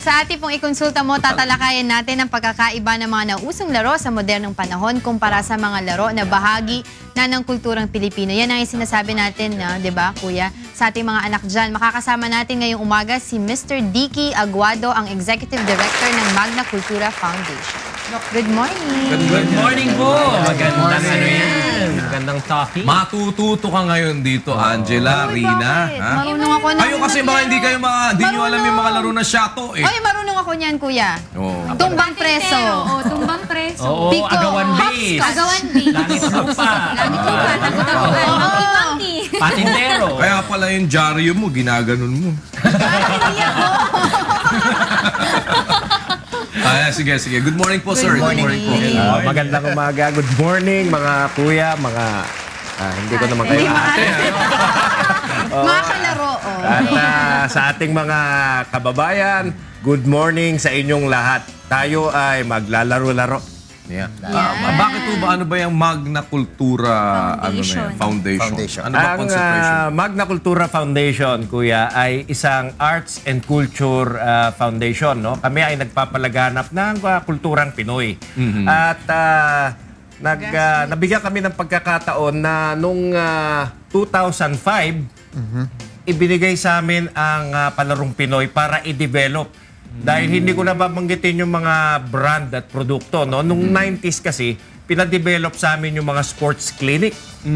Sa ating pong ikonsulta mo, tatalakayin natin ang pagkakaiba ng mga nausong laro sa modernong panahon kumpara sa mga laro na bahagi na ng kulturang Pilipino. Yan ang sinasabi natin, di ba, Kuya, sa ating mga anak dyan. Makakasama natin ngayong umaga si Mr. Dicky Aguado, ang Executive Director ng Magna Cultura Foundation. Good morning. Good morning po. Magandang ano yan. Magandang talking. Matututo ka ngayon dito, Angela, Rina. Ha? Marunong ako na. Kayo kasi baka hindi nyo alam yung mga laro na shato eh. Ay, marunong ako niyan, Kuya. Oh. Tumbang preso. Oo, tumbang preso. Oo, Pico. agawan base. Agawan base. Langit lupa. Langit lupa. Takot-takutan. Monkey-monkey. Patintero. Kaya pala yung dyaryo mo, ginaganon mo. Sige. Good morning po, sir. Good morning po. Magandang umaga. Good morning, mga kuya, mga... hindi ko naman kayo ate. Mga kalaro. At sa ating mga kababayan, good morning sa inyong lahat. Tayo ay maglalaro-laro. Yeah. Bakit po ba? Ano ba yung Magna Cultura Foundation? Ano ba Ang concentration? Magna Cultura Foundation, kuya, ay isang arts and culture foundation. No? Kami ay nagpapalaganap ng kulturang Pinoy. At nabigyan kami ng pagkakataon na noong 2005, ibinigay sa amin ang palarong Pinoy para i-develop. Dahil hindi ko na babanggitin yung mga brand at produkto. No? Nung 90s kasi, pinadevelop sa amin yung mga sports clinic.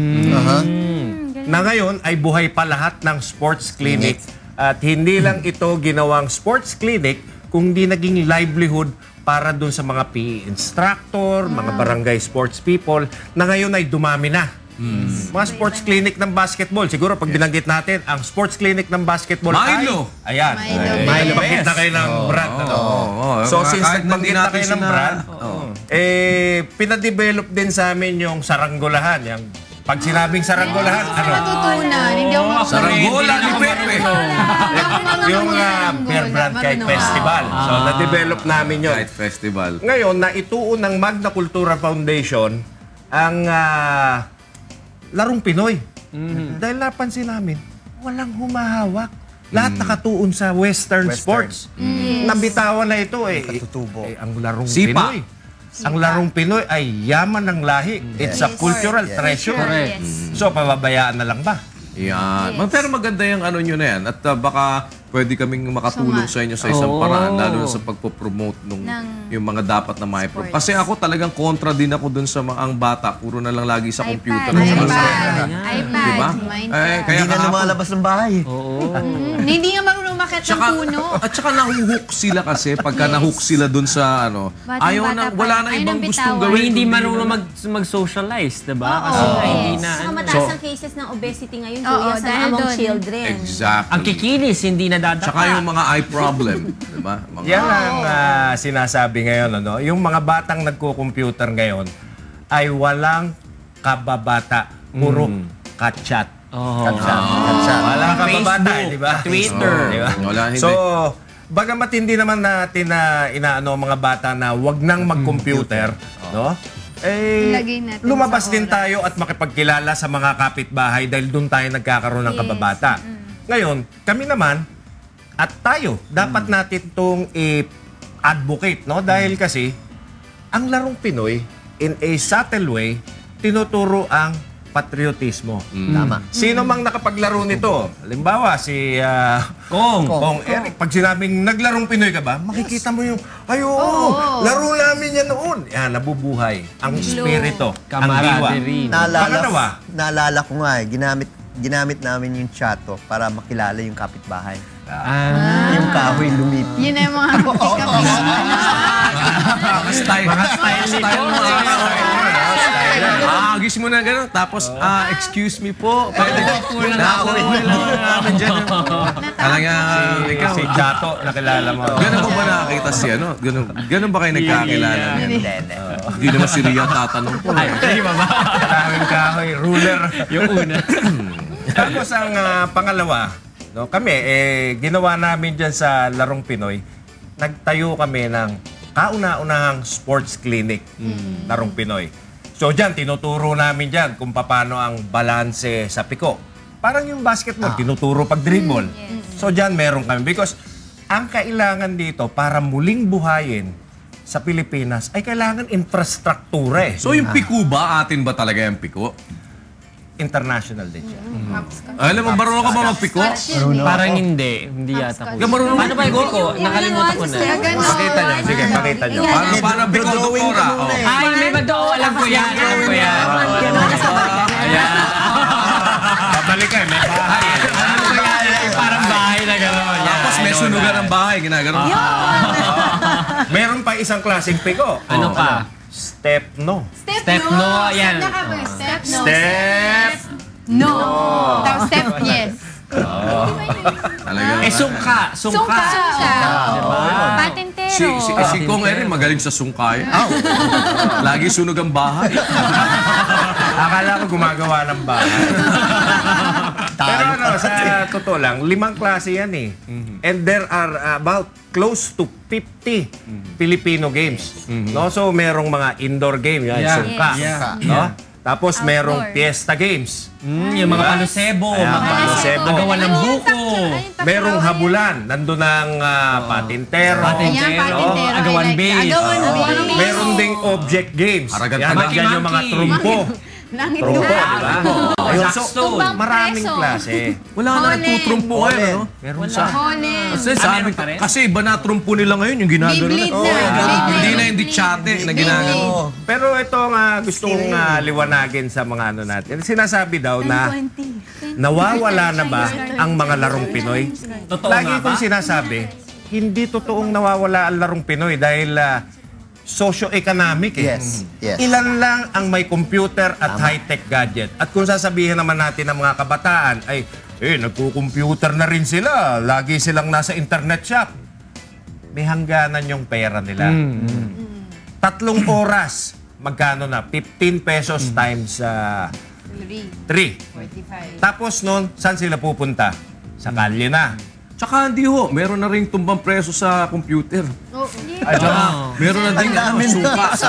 Na ngayon ay buhay pa lahat ng sports clinic. At hindi lang ito ginawang sports clinic, kundi naging livelihood para dun sa mga PE instructor, mga barangay sports people, na ngayon ay dumami na. Mga sports clinic ng basketball. Siguro pag binanggit natin, ang sports clinic ng basketball Milo. ay... Ayan. Milo. Bakit na kayo ng brand? So since nagbanggit na kayo ng brand, pinadevelop din sa amin yung saranggolahan. Yung, pag sinabing saranggolahan, Natutunan. Hindi ako makakalimutan. Saranggola ni Pepe. Yung beer brand kite festival. So na-develop namin yun. Kite Festival. Ngayon, naituon ng Magna Cultura Foundation ang larong Pinoy. Dahil napansin namin, walang humahawak. Lahat nakatuon sa Western sports. Nabitawan na ito eh. Ang larong Sipa. Pinoy. Ang larong Pinoy ay yaman ng lahi. It's a cultural treasure. So, pababayaan na lang ba? Yan. Pero maganda yung ano nyo na yan. At baka pwede kaming makatulong sa inyo sa isang paraan, lalo na sa pagpo-promote yung mga dapat na ma-promote. Kasi ako talagang kontra din ako dun sa ang bata. Puro na lang lagi sa computer. iPad. Diba? Hindi na lumalabas ng bahay. Hindi nga marunong umakyat ng puno. At saka nahuhook sila kasi pagka nahook sila dun sa ano, wala na ibang gustong gawin. Hindi marunong mag-socialize, diba? Kasi hindi na... Saka mataas ang cases ng obesity ngayon, kuya, sa dahil among doon. children. Exactly. Ang kikinis, hindi nadadapa. Tsaka yung mga eye problem. Diba? Yan ang sinasabi ngayon. Ano? Yung mga batang nagko-computer ngayon ay walang kababata. Puro kachat. Walang kababata, di ba? Twitter. Diba? Wala, hindi. So, bagamat hindi naman natin na inaano mga bata na wag nang mag-computer, no? Lumabas din tayo at makipagkilala sa mga kapitbahay dahil doon tayo nagkakaroon ng kababata. Ngayon, kami naman at tayo, dapat natin itong i-advocate, no? Dahil kasi, ang larong Pinoy, in a subtle way, tinuturo ang patriotismo. Tama. Sino mang nakapaglaro nito? Halimbawa, si Kong Eric. Pag sinabing naglarong Pinoy ka ba, makikita mo yung, laro namin yan noon. Yan, nabubuhay. Ang espiritu, ang diwa. Naalala ko nga ginamit namin yung chato para makilala yung kapitbahay. Yung kahoy lumipit. Yun na yung mga Mga style mo. Agis mo na gano'n. Tapos, excuse me po. Pwede na namin dyan. Talagang ikaw. Si Chato, nakilala mo. Ganun mo ba nakakita siya, no? Ganun ba kayo nagkakilala? Hindi naman si Ria tatanong po. Hindi ba ba? Kaming kahoy, ruler. Yung una. Tapos ang pangalawa, no, kami, ginawa namin dyan sa Larong Pinoy, nagtayo kami ng kauna-unahang sports clinic, Larong Pinoy. So dyan, tinuturo namin dyan kung paano ang balanse sa piko. Parang yung basketball, tinuturo pag dribble. So dyan meron kami because ang kailangan dito para muling buhayin sa Pilipinas ay kailangan infrastruktura eh. So yung piko ba, atin ba talaga yung piko? International din siya. Alam mo, marunong ka ba magpiko? Parang hindi. Hindi yata ko. Marunong Paano ba yung ko? Nakalimutan ko na. Pakita niyo. Sige, pakita niyo. Paano piko, doktora? Ay, may madoo. Alam ko yan. Alam ko yan. Ayan. Babalik ka, may bahay. Alam ko yan. Parang bahay na gano'n. Tapos may sunugan ng bahay, ginaganon. Meron pa isang klaseng piko. Ano pa? Step no. Step no. Ayan. Step no. Step No. Tapos step yes. Talaga. Sungka. Sungka. Patentero. Si Kong Erin magaling sa sungkay. Lagi sunog ang bahay. Akala ko gumagawa ng bahay. Pero ano, sa totoo lang, 5 klase yan eh. And there are about close to 50 Filipino games. No? So merong mga indoor game, yan, sungka. No? Tapos merong fiesta games. Yung mga palusebo. Mga palusebo. agawan ng buko. Merong habulan. Nandun ang patintero. Ayan, patintero. Agawan base. Meron ding object games. Yan, nandiyan yung mga trumpo. Trumpo, di ba? Ayun, so, maraming klase. Wala na nagtutrumpo ngayon, no? Meron sa... Kasi sa amin, kasi iba na trumpo nila ngayon, yung ginagano Beyblade na. Hindi na na. hindi chate na ginagano. Pero ito nga gusto kong liwanagin sa mga ano natin. Sinasabi daw na nawawala na ba ang mga larong Pinoy? Lagi kong sinasabi, hindi totoong nawawala ang larong Pinoy dahil socio-economic eh. Yes, yes. Ilan lang ang may computer at high-tech gadget. At kung sasabihin naman natin ng mga kabataan ay, nagko-computer na rin sila. Lagi silang nasa internet shop. May hangganan yung pera nila. 3 oras, magkano na? 15 pesos times 3. Tapos nun, saan sila pupunta? Sa kalye na. Tsaka hindi ho, meron na rin tumbang preso sa computer. Meron na din sungka sa...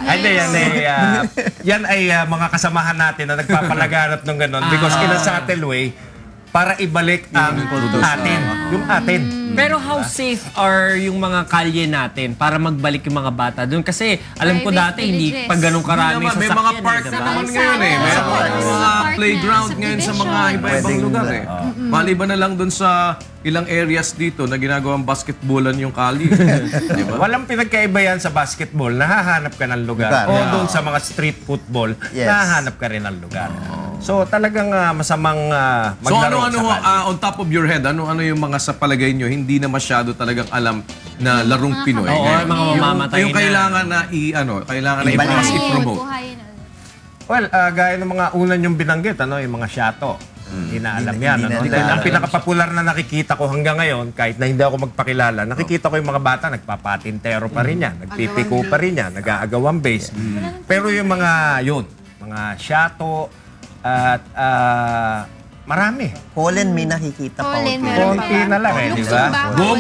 Yan ay mga kasamahan natin na nagpapalaganap ng gano'n because in a subtle way, para ibalik ang atin. Yung atin. Pero how safe are yung mga kalye natin para magbalik yung mga bata doon? Kasi alam ko dati, hindi pag ganun karami sa May mga park na naman ngayon eh. May mga playground ngayon sa mga iba-ibang lugar eh. Maliban na lang doon sa ilang areas dito na ginagawang basketballan yung kali. Diba? Walang pinagkaiba yan sa basketball. Nahahanap ka ng lugar. O doon sa mga street football, nahahanap ka rin ng lugar. So talagang masamang maglaro sa kalye. On top of your head, ano yung mga sa palagay nyo, hindi na masyado talagang alam na larong Pinoy? Oo, mga mamamatay yung kailangan na kailangan na i-promote. Well, gaya ng mga unan yung binanggit, yung mga shato. Hindi na alam yan. Ang pinakapopular na nakikita ko hanggang ngayon, kahit na hindi ako magpakilala, nakikita ko yung mga bata, nagpapatintero pa rin yan, nagpipiko pa rin yan, nag-aagawang base. Pero yung mga mga shato, at marami. Colin, may nakikita pa. Konti na lang eh, di ba?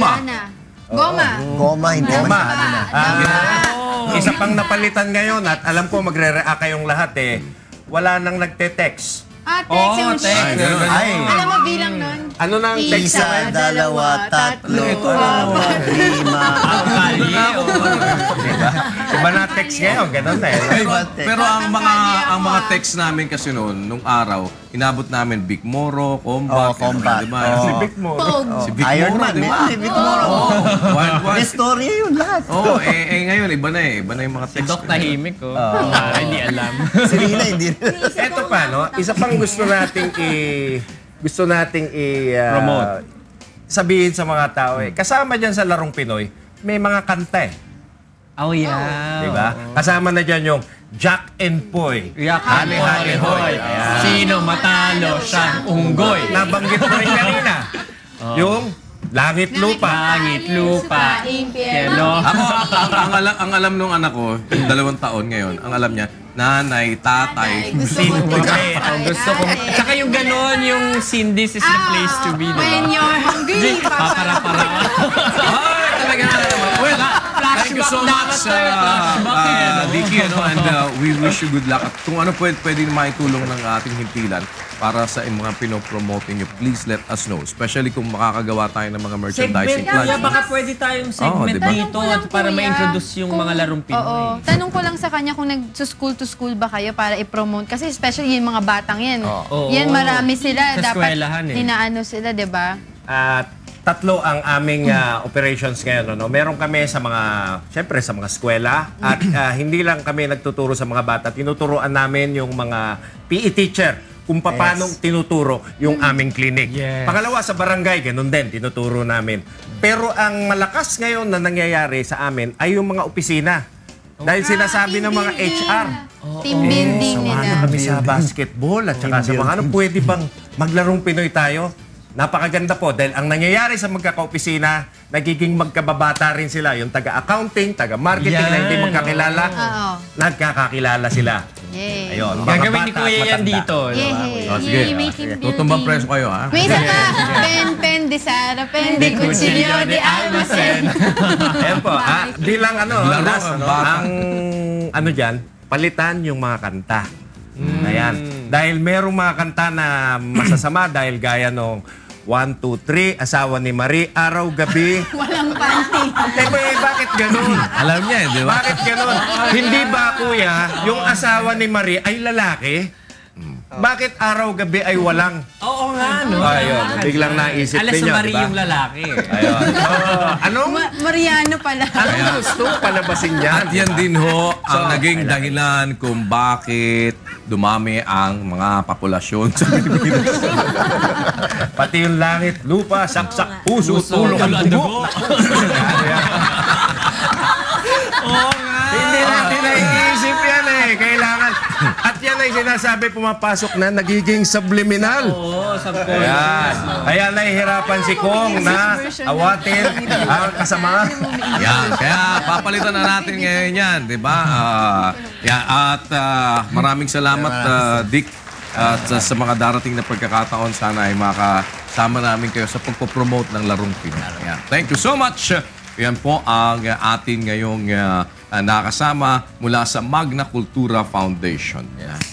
Goma, hindi masyado na. Isa pang napalitan ngayon at alam ko magre-react kayong lahat eh. Wala nang nagte-text. Text. Alam mo bilang nun? Ano nang text? 1, 2, 3, 4, 5. Iba na text ngayon, ganun na eh. Pero ang mga text namin kasi nung araw, inabot namin Big Moro, Combat, Combat. diba? Si Vic mo. Si Big Iron Moro, Man, diba? si Vic Moro. Wild Wild. May storya yun lahat. Ngayon, iba na yung mga text. Dok tahimik ko. Hindi alam. Si Rina, hindi. Eto pa, no? Isa pang gusto nating Promote. Sabihin sa mga tao eh. Kasama dyan sa larong Pinoy, may mga kanta eh. Oh, yeah. Diba? Kasama na dyan yung Jack and Poy. Hali, hali, hoy. Sino matalo siyang unggoy? Nabanggit mo rin kanina. Yung Langit Lupa. Langit, lupa, impyerno. Ako, ang alam nung anak ko, 2 taon ngayon, ang alam niya, nanay, tatay. Sino gusto ko. Tsaka yung ganon, yung scene, this is the place to be. When you're hungry, Papara-para. Ay, talaga na naman. Well, thank you so much, DJ Vicky, and we wish you good luck. At kung ano pwede maitulong ng ating himpilan para sa mga pinopromote niyo, please let us know. Especially kung makakagawa tayo ng mga merchandising Segment, plan. baka pwede tayong segment diba? dito para ma-introduce yung mga larong Pinoy. Oo. Tanong ko lang sa kanya kung nag-school to school ba kayo para i-promote. Kasi especially yung mga batang yan. Yan marami sila. Sa Dapat eskwelahan inaano sila, di ba? Tatlo ang aming operations ngayon. No? Meron kami sa mga, syempre sa mga eskwela. At hindi lang kami nagtuturo sa mga bata. Tinuturoan namin yung mga PE teacher kung paano tinuturo yung aming clinic. Yes. Pangalawa, sa barangay, ganun din, tinuturo namin. Pero ang malakas ngayon na nangyayari sa amin ay yung mga opisina. Dahil sinasabi ng mga HR, Team building nila. samahan kami sa basketball at saka sa mga pwede bang maglarong Pinoy tayo? Napakaganda po dahil ang nangyayari sa magkakaopisina, nagiging magkababata rin sila. Yung taga-accounting, taga-marketing na hindi magkakilala, nagkakakilala sila. Yay. Ayun, mga Gagawin ni bata at Kuya yan matanda. dito. Yay. Sige, may team building. tutumbang preso kayo, ha? May isa pa. Pen, di Sara, pen, di Cuchillo, di Almacen. Ayan po, di lang Laro last, ang bata. ang dyan, palitan yung mga kanta. Ayan. Dahil merong mga kanta na masasama dahil gaya nung 1, 2, 3, asawa ni Marie, araw-gabi. Walang panty. Bakit ganun? Alam niya, di ba? Bakit ganun? Hindi ba, kuya, yung asawa ni Marie ay lalaki? Bakit araw-gabi ay walang? Oo nga, no? Ayun, biglang naisip Alas ninyo, sa Marie diba? yung lalaki. Ayun. Anong Mariano pala. gusto palabasin At yan? yan din ho ang naging dahilan kung bakit dumami ang mga populasyon sa Pilipinas. Pati yung langit, lupa, saksak, puso, tulong ang dugo. Oo nga. Hindi natin naiisip yan eh. Kailangan. At yan ay sinasabi pumapasok na nagiging subliminal. Oo, Ayan. Kaya nahihirapan si Kong na awatin ang kasama. Yan, kaya papalitan na natin ngayon yan, di ba? At maraming salamat, Dick. At sa mga darating na pagkakataon, sana ay makasama namin kayo sa pagpopromote ng Larong Pinoy. Yan. Thank you so much. Yan po ang atin ngayong nakasama mula sa Magna Cultura Foundation. Yan.